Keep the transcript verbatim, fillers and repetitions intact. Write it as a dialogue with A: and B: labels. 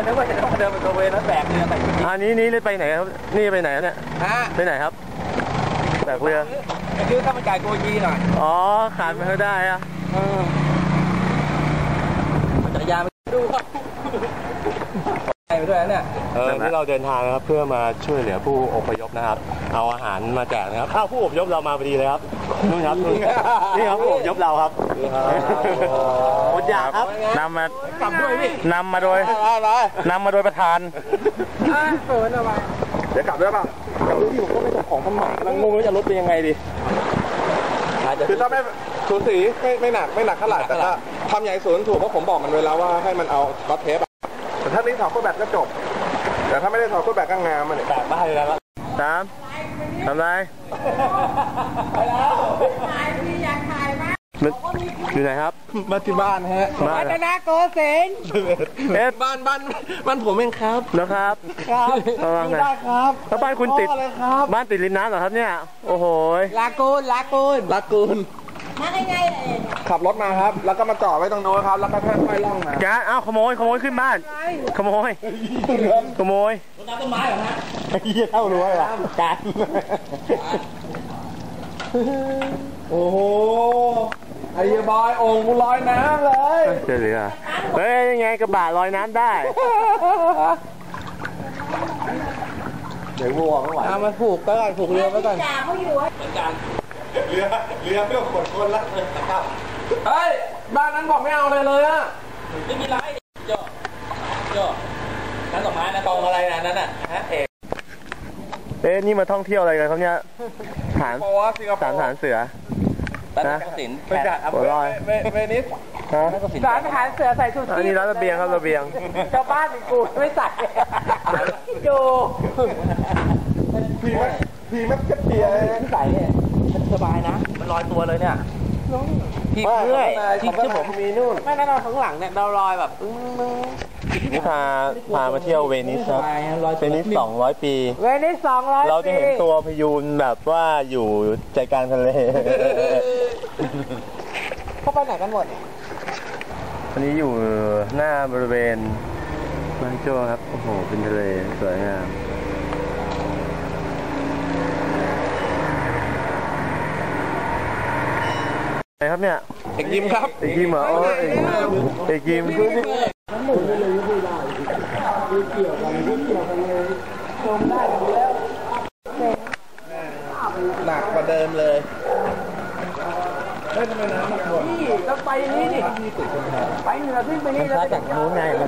A: นึกว่าจะต้องเดินไปตระเวนแล้วแบกเรือไปอันนี้นี่ไปไหนครับนี่ไปไหนเนี่ยไปไหนครับแบกเรือคือข้าวมันไก่โกยีหน่อยอ๋อขาดไปก็ได้อะจักรยานไปดูไปด้วยเนี่ยเออที่เราเดินทางนะครับเพื่อมาช่วยเหลือผู้อพยพนะครับเอาอาหารมาแจกนะครับอ้าวผู้อพยพเรามาพอดีเลยครับนู่นครับนี่ครับผู้อพยพเราครับหมดอยากครับนำมากลับด้วยพี่นำมาโดยนำมาโดยประธานเปิดเอาไว้เดี๋ยวกลับด้วยป่ะกลับด้วยที่ผมก็ไม่ส่งของมันใหม่กำลังงงว่าจะลดเป็นยังไงดีคือถ้าไม่สูสีไม่ไม่หนักไม่หนักเท่าไหร่แต่ถ้าทำใหญ่ศูนย์ถูกเพราะผมบอกมันไว้แล้วว่าให้มันเอาบัตเทปแต่ถ้านี้ถอดเครื่องแบบก็จบแต่ถ้าไม่ได้ถอดเครื่องแบบก็งามมันแตกบ้าเลยแล้วสามทำไรไปแล้วถ่ายพี่อยากถ่ายมากอยู่ไหนครับมาที่บ้านฮะบ้านนาโกเซนเอ๊ะบ้านบ้านบ้านผมเองครับนะครับครับได้ครับแล้วบ้านคุณติดบ้านติดริมน้ำเหรอครับเนี่ยโอ้โหลากูนลากูนลากูนมาไงๆขับรถมาครับแล้วก็มาจอดไว้ตรงโน้นครับแล้วก็ค่อยๆล่องมาแกอ้าวขโมยขโมยขึ้นบ้านขโมยขโมยรดน้ำต้นไม้เหรอฮะเยี่ยเท่ารู้ไหมล่ะการโอ้โหไอ้บอยโอ่งกูลอยน้ำเลยเจ๋งเลยอ่ะเฮ้ยยังไงกระบะลอยน้ำได้เดี๋ยววัวไม่ไหวเอามาผูกก็ก่อนผูกเรือไว้ก่อนเขาอยู่เหมือนกันเรือเรือเพื่อขนคนละเลยนะครับเฮ้ยบ้านนั้นบอกไม่เอาเลยเลยอะไม่มีไรโย่โย่นั่นดอกไม้นะกองอะไรนะนั่นน่ะฮะเอกเอ๊ะนี่มาท่องเที่ยวอะไรกันครับเนี่ยฐานฐานฐานเสือนะสินแขกหัวลอยเวนิสร้านอาหารเสือใส่ชุดอันนี้ร้านระเบียงครับระเบียงชาวบ้านกูไม่ใส่ดูพีมัดพีมัดกระเทียมใส่เนี่ยสบายนะมันลอยตัวเลยเนี่ยพี่เพื่อยที่ที่ผมมีนู่นไม่แน่นอนข้างหลังเนี่ยเราลอยแบบนี่พาพามาเที่ยวเวนิสครับเวนิสสองร้อยปีเวนิสสองร้อยปีเราจะเห็นตัวพยูนแบบว่าอยู่ใจกลางทะเลเขาไปไหนกันหมดวันนี้อยู่หน้าบริเวณบ้านโจ้ครับโอ้โหเป็นทะเลสวยงามไหนครับเนี่ยเอกยิมครับเอกยิมเหรอเอกเอกยิมหนักกว่าเดิมเลยเฮ้ยทำไมน้ำหนักกว่านี่ต้องไปนี่ดิไปเหนือขึ้นไปนี่แล้วจากนู้นไง